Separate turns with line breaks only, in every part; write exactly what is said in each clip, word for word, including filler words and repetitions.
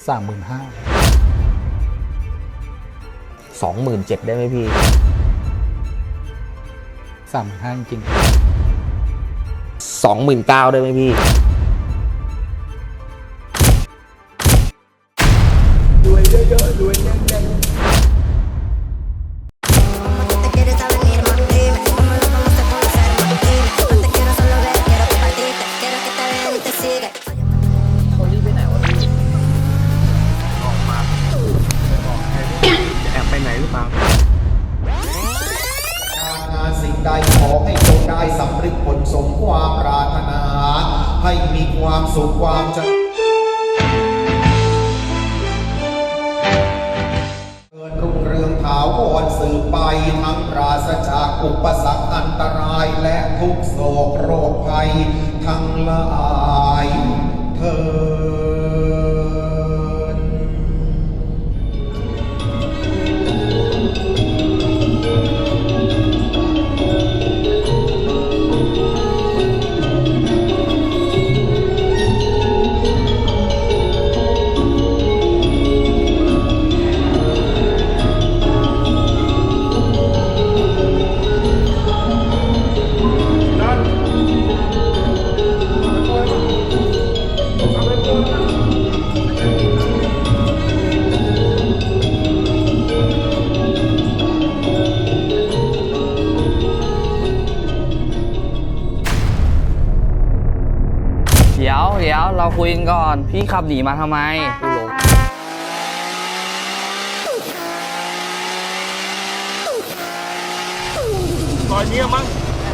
สามหมื่นห้า
สองหมื่นเจ็ดได้ไหมพี่
สามหมื่นห้าจริง
สองหมื่นเก้าได้ไหมพี่
รวยเยอะๆรวยแน่น
เขารีบไปไหนวะพี่ออกมาบอกใครจะแอบไปไหนหรือเปล่า
การงานสิ่งใดขอให้จงได้สำเร็จผลสมความปรารถนา ให้มีความสุขความเจริญรุ่งเรืองถาวรสืบไปทั้งปราศจากอุปสรรคอันตรายและทุกโศกโรคภัยทั้งหลายเถิด
เดี๋ยวเดี๋ยวเราคุยกันก่อนพี่ขับหนีมาทำไม
ตอนนี้มั้ง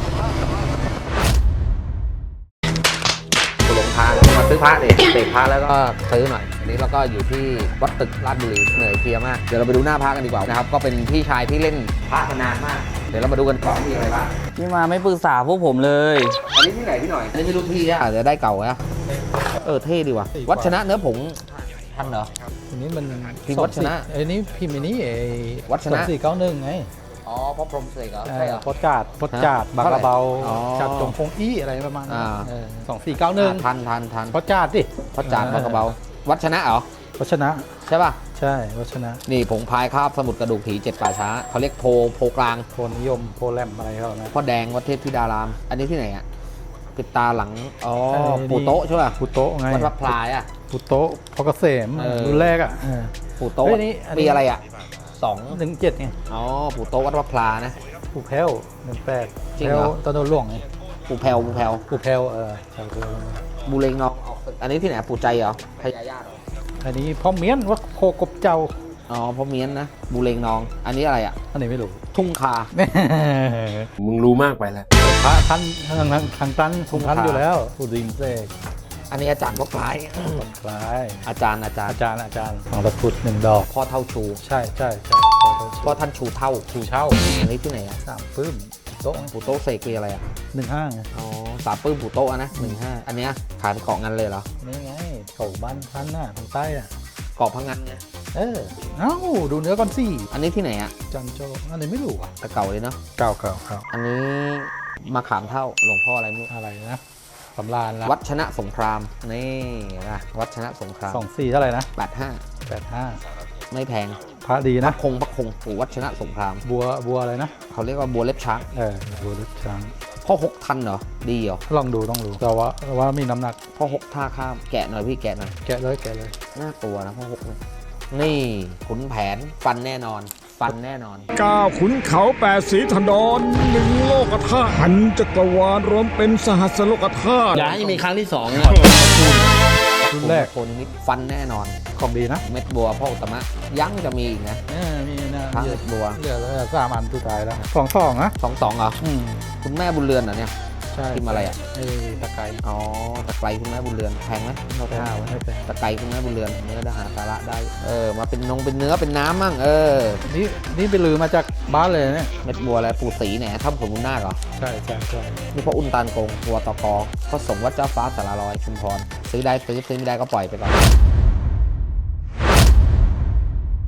กูหลงทางมาซื้อพระดิเสกพระแล้วก็ซื้อหน่อยอันนี้เราก็อยู่ที่วัดตึกราชบุรีเหนื่อยเพลียมากเดี๋ยวเราไปดูหน้าพระกันดีกว่านะครับก็เป็นพี่ชายที่เล่นพระมานานมากเดี๋ยวเรามาดูกันก่อนมีอะไรบ้าง
พี่มาไม่ปรึกษาพวกผมเลย
อันนี้ที่ไหนพี่หน่อยอันนี้ไม่รู้พี่อ่ะเดี๋ยวได้เก่านะเออเท่ดีว่ะวัชนะเนื้อผงทันเหรอ
อันนี้มัน
พิมพ์วัชนะ
อันนี้พิมพ์อันนี้ไอ้
วัชนะ
สองสี่เก้าหนึ่งไง
อ๋อเพราะพรหมเสกเหรอใช่เหรอ
โพสการ์ดโพสการ์ดบางกระเบา
อ๋อ
จัดจงพงอี้อะไรประมาณนั้น
อ่า
สองสี่เก้าหนึ่ง
ทันทันทัน
โพสการ์ดดิ
พระจานทร์พระกระเบาวัชนะเหรอ
วัชนะ
ใช่ป่ะ
ใช่วัชนะ
นี่ผงพายคาบสมุดกระดูกผีเจ็ดป่าช้าเขาเรียกโพโพกลาง
โพนิยมโพแลมอะไรเขานะ
พ่อแดงวัดเทพธิดาราม อันนี้ที่ไหนอ่ะปิดตาหลังอ๋อ
เออ
ปู่โต๊ะใช่ป่ะ
ปุโตะไง
วัดพระพลายอ่ะ
ปุโตะพอเกษม
เออ
รุ่นแรกอ่ะ
ปู่โต๊ะ
เฮ้ยนี่อันนี้
ปีอะไรอ่ะสอง
หนึ่งเจ็ดไง
อ๋อปู่โต๊ะวัดพระพลานะ
ปูแพ้วหนึ่งแปด
จริงเหรอ
ตอนโดนหลวงไง
ปู่แพรวปู่แพรว
ปูแพ้วเออใช่ปู
บูเลงน้องออกอันนี้ที่ไหนปู่ใจเหรอพญาญาติเหรอ
อันนี้พ่อเมียนวัดโคกบเจ้า
อ๋อพ่อเมียนนะบูเลงน้อง อันนี้อะไรอ่ะ
อันนี้ไม่รู้
ทุ่งคา
มึงรู้มากไปแล้ว
พระท่านทางทางทางตันทุงท่านอยู่แล้วผู้ดินเสก
อันนี้อาจารย์พ่อพลาย
คล้าย
อาจารย์อาจารย์
อาจารย์อาจารย์ของตะกรุดหนึ่งดอก
พ่อเท่าชู
ใช่ใช่ใช่
พ่อท่านชูเท่า
ชูเช่า
อันนี้ที่ไหนอ่ะ
สามปื้มโต๊ะ
ปู่โต๊ะเสกคืออะไรอ่ะ
หนึ่งห้าไง
อ๋อสามปื้มปู่โต๊ะอะนะหนึ่งห้าอันเนี้ยขายเป็นเกาะงันเลยเหรอ
นี่ไงเก่าบ้านท่านน่ะทางใต้อ่ะ
เกาะพังงันไง
เออเอ้าดูเนื้อก่อนสิ
อันนี้ที่ไหนอ่ะ
จันโจอันนี้ไม่รู้อ่ะ
แต่เก่าเลยเนาะ
เก่าเก่าเก่า
อันนี้มาขามเท่าหลวงพ่ออะไรไม่รู้
อะไรนะสำราญละ
วัดชนะสงครามนี่นะวัดชนะสงคราม
สองสี่เท่าไหร่นะ
แปดห้า
แปดห้า
ไม่แพง
พระดี
พ
นะ
ระคงพระคงปู่วัดชนะสงคราม
บัวบัวอะไรนะ
เขาเรียกว่าบัวเล็บช้าง
เออบัวลึกช้าง
พ่อหกทันเหรอดีเหรอ
ลองดูต้องดูแต่ว่าแต่ว่ามีน้ำหนัก
พ่อหกท่าข้ามแกะหน่อยพี่แกะหน่อย
แกะเลยแกะเลย
น่ากลัวนะพ่อหกเนี่ยนี่ขุนแผนฟันแน่นอน ฟันแน่นอน
เก้าขุนเขาแปดสีถนนหนึ่งโลกธาตุพันจักรวาลรวมเป็นสหัสโลกธาตุ
อย่าให้มีครั้งที่สองนะ
รุ่นแรก
โคนนิดฟันแน่นอน
ของดีนะ
เม็ดบัวพ่ออุตตมะยังจะมีอีกนะ
เออมีนะ
พระ
เย
เม็
อะ
ดบัว
เหลือแล้วสามอันสุดท้ายแล้วสองสองนะ
สองสองเหรอ
อืม
คุณแม่บุญเรือนเหรอเนี่ย
ใช่
พิมพ์อะไรอ่ะ
ไอ้ตะไคร้
อ๋อตะไคร้คุณแม่บุญเรือนแพงไหมเรา
ไม่
ท่าไว้
ไม่เป็น
ตะไคร้คุณแม่บุญเรือนเนื้อดาหาสาระได้เออมาเป็นนงเป็นเนื้อเป็นน้ำมั่งเออ
นี่นี่ไปลือมาจากบ้านเลยเนี่ย
เม็ดบัวอะไรปู่ศรีเนี่ยถ้ำผลบุญนาคเหรอ
ใช่ใช่ใช่
นี่พ่ออุ่นตาลโกงตัวตกอพระสงฆ์วัดเจ้าฟ้าสารลอยชุมพรซื้อได้ซื้อซื้อไม่ได้ก็ปล่อยไปก่อน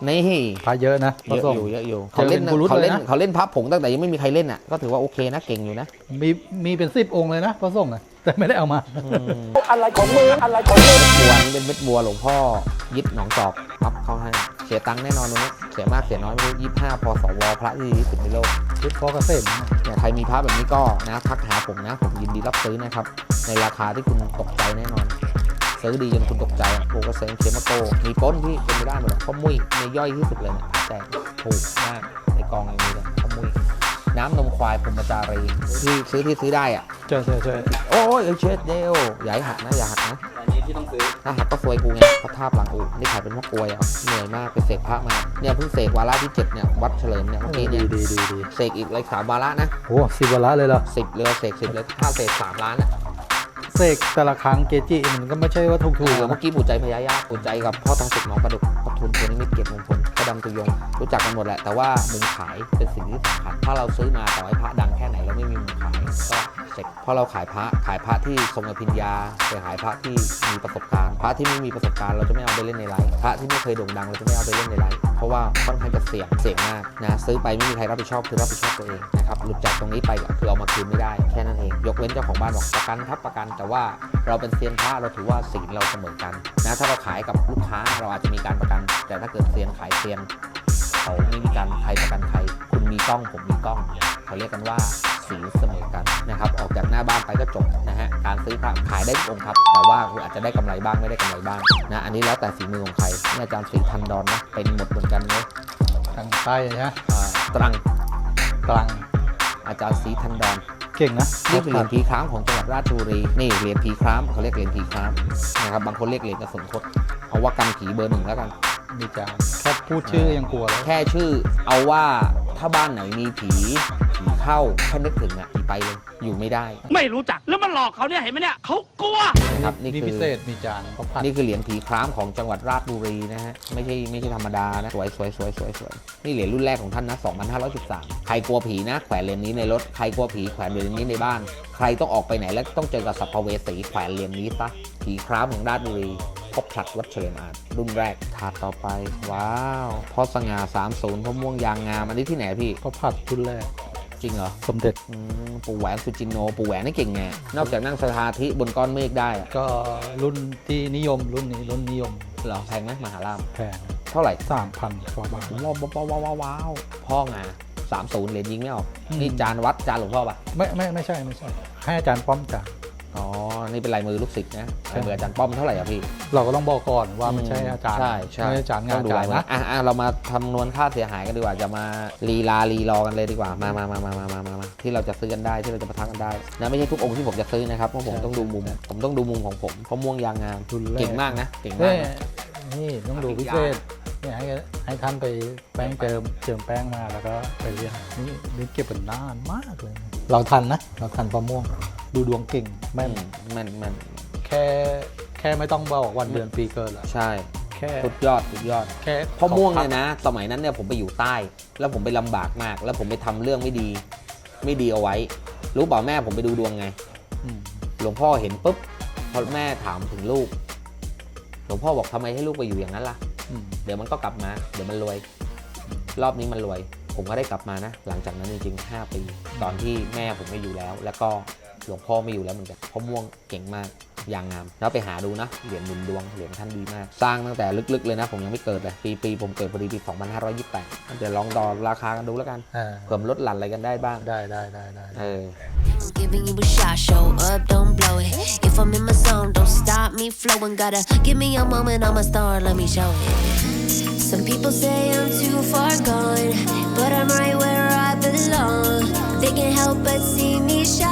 นี่
พระเยอะนะ
เยอะอยู่เยอะอยู่
เจ
เขา
อ
เล่
เป็น นกุรุต
เขาเล่น
เลยนะ
เขาเล่นพระผงตั้งแต่ยังไม่มีใครเล่นอ่ะก็ถือว่าโอเคนะเก่งอยู่นะ
มีมีเป็นสิบองค์เลยนะพระสงฆ์อะแต่ไม่ได้เอามา
อะไรของมืออะไรของมือบัวนี่เป็นเม็ดบัวหลวงพ่อยึดหนองจอกปั๊บเข้าให้เสียตังค์แน่นอนตรงนี้เสียมากเสียน้อยไม่รู้ยี่สิบห้าพศวพระที่ดีที่สุดในโลก
ชุดพ่อเกษม
เนี่ยใครมีพระแบบนี้ก็นะทักหาผมนะผมยินดีรับซื้อนะครับในราคาที่คุณตกใจแน่นอนซื้อดีจนคุณตกใจโปรกเซนเคมาโกมีป้นที่เป็นไม่ได้หมดเลยข้อมุ้ยในย่อยที่สุดเลยเนี่ยแต่ถูกมากในกองอย่างนี้เลยข้อมุ้ยน้ำนมควายพรหมจารีที่ซื้อที่ซื้อได้อ่ะ
ใช่ใช่ใช่
โอ้ยเช็ดเดียวอย่าให้หักนะอย่าหักนะ
อันนี้ที่ต้องซื้อ
ถ้าหักก็ซวยกูไงเขาทาบหลังอูนี่ขายเป็นพวกกลวยอ่ะเหนื่อยมากไปเสกพระมาเนี่ยเพิ่งเสกวาระที่เจ็ดเนี่ยวัดเฉลิมเนี่ยเมื่อกี้
ดี
เนี่ย
ดีดีดี
เสกอีกเลยสามวาระนะ
โอ้สิบวาระเลยเหรอ
สิบเลยเสกสิบเลยถ้าเสกสามล้านอ่ะ
เสกแต่ละครั้งเกจิมันก็ไม่ใช่ว่าถูก
ถู
ถู
ก
ก
เมื่อกี้ปู่ใจพญายาปู่ใจกับพ่อทองสุกหนองประดุกปทุนตัวนี้ไม่เก็บมงคลพระดำตุยงรู้จักกันหมดแหละแต่ว่ามุมขายเป็นสิ่งที่สำคัญถ้าเราซื้อมาต่อให้พระดังแค่ไหนแล้วไม่มีมุมขายก็เสร็จเพราะเราขายพระขายพระที่ทรงอภิญญาไปขายพระที่มีประสบการณ์พระที่ไม่มีประสบการณ์เราจะไม่เอาไปเล่นในไลฟ์พระที่ไม่เคยโด่งดังเราจะไม่เอาไปเล่นในไลฟ์เพราะว่าค่อนข้างจะเสี่ยงเสี่ยงมากนะซื้อไปไม่มีใครรับผิดชอบคือรับผิดชอบตัวเองนะครับหลุดจากตรงนี้ไปก็คือเอามาคืนไม่ได้แค่นั้นเองยกเว้นเจ้าของบ้านบอกประกันครับประกันแต่ว่าเราเป็นเซียนพระเราถือว่าศีลเราเสมอกันนะถ้าเราขายกับลูกค้าเราอาจจะมีการประกัน แต่ถ้าเกิดเซียนขายเซียนเขาไม่มีการใครประกันใครคุณมีกล้องผมมีกล้องเขาเรียกกันว่าศีลเสมอกันนะครับออกจากหน้าบ้านไปก็จบนะฮะการซื้อพระขายได้ทุกองค์ครับแต่ว่าคุณอาจจะได้กำไรบ้างไม่ได้กำไรบ้างนะอันนี้แล้วแต่ฝีมือของใครนี่อาจารย์ศรีทันดอนนะเป็นหมดเหมือนกันเลย
ทางใต้นะ
อ่าตรัง
กลาง
อาจารย์ศรีทันดอน
เก่งนะ
นี่คือเหรียญผีคร้ามของจังหวัดราชบุรีนี่เหรียญผีคร้ามเขาเรียกเหรียญผีคร้ามนะครับบางคนเรียกเหรียญกระสุนคดเอาว่ากันผีเบอร์หนึ่งแล้วกัน
มีจานแค่พูดชื่อยังกลัวแล้ว
แค่ชื่อเอาว่าถ้าบ้านไหนมีผีผีเข้าแค่นึกถึงอ่ะผีไปเลยอยู่ไม่ได้
ไม่รู้จักแล้วมันหลอกเขาเนี่ยเห็นไหมเนี่ยเขากลัว
นะครับนี่
นี่
คื
พิ
อ
เศษมีจานเขาผัด
นี่คือเหรียญผีคร้ามของจังหวัดราชบุรีนะฮะไม่ใช่ไม่ใช่ธรรมดานะสวยสวยสวยสวยสวยนี่เหรียญรุ่นแรกของท่านนะสองพันห้าร้อยสิบสามใครกลัวผีนะแขวนเหรียญนี้ในรถใครกลัวผีแขวนเหรียญนี้ในบ้านใครต้องออกไปไหนแล้วต้องเจอกับสัพเวสีแขวนเหรียญนี้ซะผีคร้ามของราชบุรีพบผลัดวัดเฉลิมอาจรุ่นแรกถาดต่อไปว้าวพ่อสง่าสามศูนย์พ่อม่วงยางงามอันนี้ที่ไหนพี่
เขาผัดชุดแรก
จริงเหรอ
สมเด็จ
อืมปู่แหวนสุจินโนปู่แหวนนี่เก่งไงนอกจากนั่งสมาธิบนก้อนเมฆได้อะ
ก็รุ่นที่นิยมรุ่นนี้รุ่นนิยม
เหรอแพงไหมมหาลาม
แพง
เท่าไหร่
สามพันกว่าบาท
ว้าวว้าวว้าวว้าวว้าวพ่องาสามศูนย์เหรียญยิงไม่ออก
อืม
นี่จานวัดจานหลวงพ่อปะ
ไม่ไม่ไม่ใช่ไม่ใช่ ให้อาจารย์ป้อมจ่าย
อ๋อนี่เป็นลายมือลูกศิษย์นะลายมืออาจารย์ป้อมเท่าไหร่อะพี่
เราก็ต้องบอกก่อนว่าไม่ใช่อาจารย์
ใช่ใช่
ไม่ใช่อาจารย์งา
ต้
น
องดู
อาจา
ลาร ย
ย์
มือ
นะ
อ่ะอ่ะเรามาคำนวณค่าเสียหายกันดีกว่าจะมาลีลาลีรอกันเลยดีกว่ามามามามามามามามาที่เราจะซื้อกันได้ที่เราจะประทักกันได้นะไม่ใช่ทุกองค์ที่ผมจะซื้อนะครับเพราะผมต้องดูมุมผมต้องดูมุมของผมเพราะม่วงยางงาม
รุ่นแรก
เก่งมากนะเก่ง
เฮ้
มาก
ย
นะ
นี่ต้องดูพิเศษเนี่ยให้ให้ท่านไปแป้งเจิมเจิมแป้งมาแล้วก็ไปเรียนนี่นี่เก็บเป็นนานมากเลย เราทันนะ เราทันประม่วง ดูดวงเก่งแม่น
แม่นแม่น
แค่แค่ไม่ต้องบอกวันเดือนปีเกิดแล้ว
ใช่
แค่
สุดยอดสุดยอด
แค่
พ่อม่วงเนี่ยนะ สมัยนั้นเนี่ยผมไปอยู่ใต้ แล้วผมไปลำบากมาก แล้วผมไปทำเรื่องไม่ดี ไม่ดีเอาไว้ รู้เปล่าแม่ผมไปดูดวงไง
อืม
หลวงพ่อเห็นปุ๊บพอแม่ถามถึงลูก หลวงพ่อบอกทำไมให้ลูกไปอยู่อย่างนั้นล่ะ
อืม
เดี๋ยวมันก็กลับมา เดี๋ยวมันรวย รอบนี้มันรวย ผมก็ได้กลับมานะ หลังจากนั้นจริงๆห้าปี ตอนที่แม่ผมไม่อยู่แล้ว แล้วก็หลวงพ่อไม่อยู่แล้วเหมือนกันพ่อม่วงเก่งมากยางงาม แล้วไปหาดูนะ เหรียญหนุนดวง เหรียญท่านดีมาก สร้างตั้งแต่ลึกๆเลยนะ ผมยังไม่เกิดเลย ปีปีผมเกิดพอดีปีสองพันห้าร้อยยี่สิบแปดเดี๋ยวลองดอราคากันดูแล้วกัน
อ่า
เพิ่มลดหลั่นอะไรกันได้บ้าง
ได้ได้ได้ได้
เออ
Giving you a shot, show up, don't blow it. If I'm in my zone, don't stop me flowing. Gotta give me a moment, I'm a star, let me show it. Some people say I'm too far gone, but I'm right where I belong. They can't help but see me shine.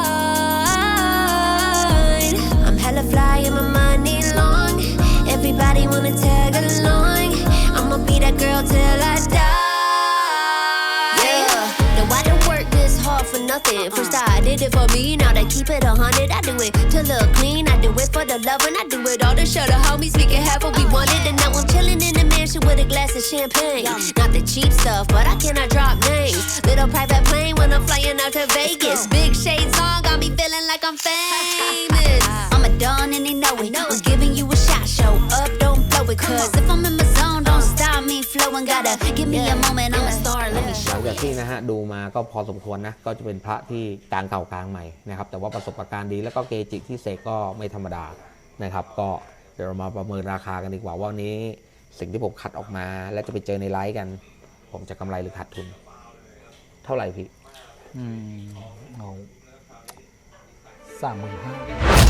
I'm hella fly and my money long. Everybody wanna tag along. I'ma be that girl till I die. Yeah, no, I don't work this hard for nothing. First I did it for me, now they keep it a hundred. I do it to look clean, I do it for the love, and I do it all to show the homies we can have what we wanted. And now I'm chilling in the mansion with a glass of champagne. Not the cheap stuff, but I cannot drop names. Little private plane when I'm flying out to Vegas. Big shades on, got me feeling like I'm famous. I'm a don and they know it. I'm giving you a shot, show up, don't blow it. Cause if I'm in my zone, don't stop me flowing. gotta give me a moment, I'm a star, let me
หลั
show
งจาก
you.
ที่นะฮะดูมาก็พอสมควรนะก็จะเป็นพระที่กลางเก่ากลางใหม่นะครับแต่ว่าประสบการณ์ดีแล้วก็เกจิที่เสกก็ไม่ธรรมดานะครับก็เดี๋ยวเรามาประเมินราคากันดีกว่าว่าวันนี้สิ่งที่ผมคัดออกมาและจะไปเจอในไลฟ์กัน ผมจะกำไรหรือขาดทุน เท่าไหร่พี่
อืมเอาสามหมื่นห้า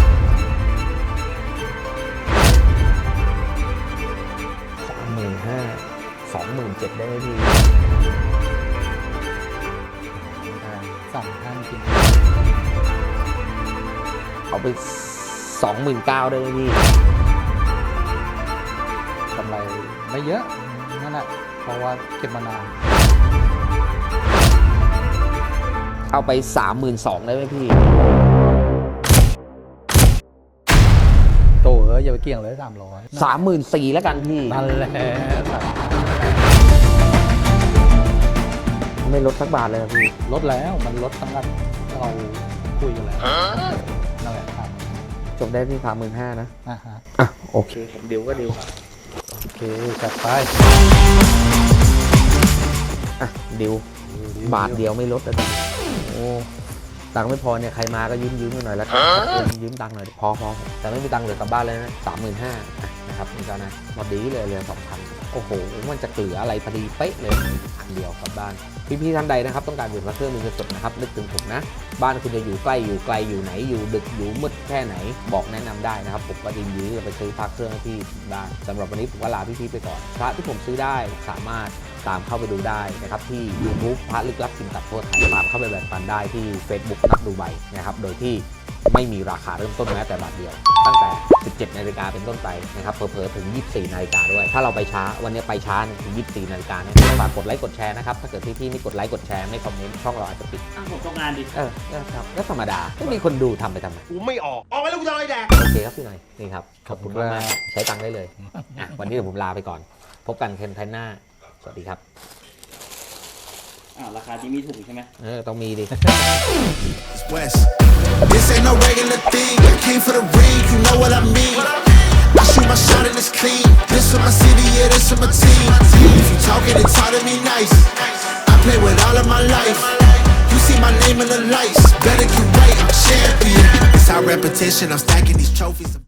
สามหมื่นห้าสองหมื่นเจ็ดได้ไหมพี่
สามห้าจริง
เอาไปสองหมื่นเก้าได้ไหมพี่
กำไรไม่เยอะนั่นแหละเพราะว่าเก็บมานาน
เอาไปสามหมื่นสองได้ไหมพี่
โตเอออย่าไปเกี่ยงเลยสามร้อย
สามหมื่นสี่แล้วกันพี่
นั่นแหละ
ไม่ลดสักบาทเลยอะพี่
ลดแล้วมันลดตั้งแต่เราคุยกันแล้วนั่นแหละครับ
จบได้ที่สามหมื่นห้านะ
อ่าฮะ
อ่ะโอเคผมดิวก็ดิว
โอเคจัดไป
อ่ะดิวบาทเดียวไม่ลดเลยจ้ะโอ้ตังค์ไม่พอเนี่ยใครมาก็ยืมยืมๆหน่อยแล้วกันยืมตังค์หน่อยดิพอพอแต่ไม่มีตังค์เหลือกลับบ้านเลยนะสามหมื่นห้านะครับนี่ก็นะพอดีเลยเหลือสองพันโอ้โหมันจะเหลืออะไรพอดีเป๊ะเลยพันเดียวกลับบ้านพี่ๆท่านใดนะครับต้องการเปลี่ยนพระเครื่องมือเงินสดนะครับนึกถึงผมนะบ้านคุณจะอยู่ใกล้อยู่ไกลอยู่ไหนอยู่ดึกอยู่มืดแค่ไหนบอกแนะนำได้นะครับผมก็ยินดีจะไปซื้อพระเครื่องให้พี่ได้สำหรับวันนี้ผมก็ลาพี่ๆไปก่อนพระที่ผมซื้อได้สามารถตามเข้าไปดูได้นะครับที่ YouTube พระลึกลับสินตัดทั่วไทยตามเข้าไปแบ่งปันได้ที่ Facebook นักดูใบนะครับโดยที่ไม่มีราคาเริ่มต้นแม้แต่บาทเดียว ตั้งแต่ สิบเจ็ดนาฬิกาเป็นต้นไปนะครับเผลอๆถึง ยี่สิบสี่นาฬิกาด้วยถ้าเราไปช้าวันนี้ไปช้าเนี่ยถึง ยี่สิบสี่นาฬิกาเนี่ยฝากกดไลค์กดแชร์นะครับถ้าเกิดพี่ๆไม่กดไลค์กดแชร์ไม่คอมเมนต์ช่องเราอาจจะปิด
อ้าวผมตกงานดิ
เออก็ครับก็ธรรมดาไม่มีคนดูทำไปทำไม
กูไม่ออก ออกไปแล้วกูจะอะไรแดก
โอเคครับพี่หน่อยนี่ครับขอบคุณมากๆใช้ตังค์ได้เลยอ่ะวันนี้เดี๋ยวผมลาไปก่อน พบกันเทนไทหน้าสวัสดีครับ
อ้าวราคาที่มีถูกใช่ไหม
เออต้องมีดิ
West. This ain't no regular thing. I came for the ring, you know what I mean. I shoot my shot and it's clean. This for my city, yeah, this for my team. If you talking and talk to me nice, I play with all of my life. You see my name in the lights, better get right, I'm champion. It's our repetition, I'm stacking these trophies.